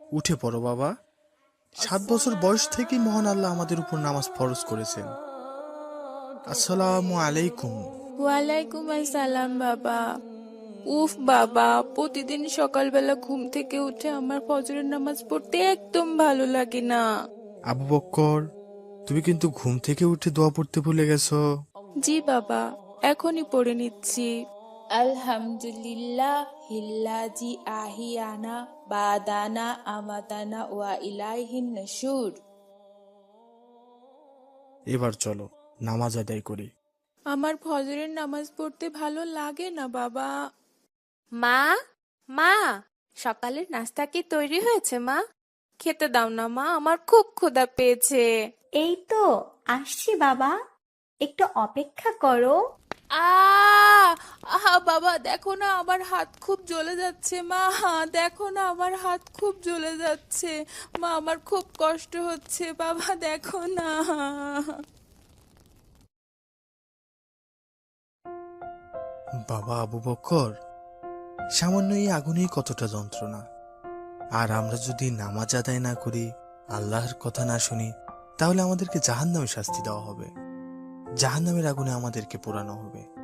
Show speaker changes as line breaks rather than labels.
উঠে পড়ো বাবা। 7 বছর বয়স থেকেই মহান আল্লাহ আমাদের উপর নামাজ ফরজ করেছেন। আসসালামু আলাইকুম।
ওয়ালাইকুম আসসালাম বাবা। উফ বাবা, প্রতিদিন সকালবেলা ঘুম থেকে উঠে আমার ফজরের নামাজ পড়তে একদম ভালো লাগে না।
আবু বক্কর, তুমি কিন্তু ঘুম থেকে উঠে দোয়া পড়তে ভুলে গেছো।
জি বাবা, এখনই পড়ে নিচ্ছি। আলহামদুলিল্লাহ হিল্লাজি আহিয়ানা বাদানা আমাতানা ওয়া ইলাইহিন নশুর।
এবার চলো নামাজ আদায় করি।
আমার ফজরের নামাজ পড়তে ভালো লাগে না বাবা।
মা, মা, সকালের নাস্তা কি তৈরি হয়েছে মা? খেতে দাও না মা, আমার খুব ক্ষুধা পেয়েছে।
এই তো আসছি বাবা, একটু অপেক্ষা করো।
আহা বাবা, দেখো না আমার হাত খুব জ্বলে যাচ্ছে। মা, দেখো না আমার হাত খুব জ্বলে যাচ্ছে। মা, আমার খুব কষ্ট হচ্ছে। বাবা দেখো না।
বাবা আবু বক্কর, সামান্য এই আগুনেই কতটা যন্ত্রণা। আর আমরা যদি নামাজ আদায় না করি, আল্লাহর কথা না শুনি, তাহলে আমাদেরকে জাহান্নামে শাস্তি দেওয়া হবে। জাহান্নামের আগুনে আমাদেরকে পোড়ানো হবে।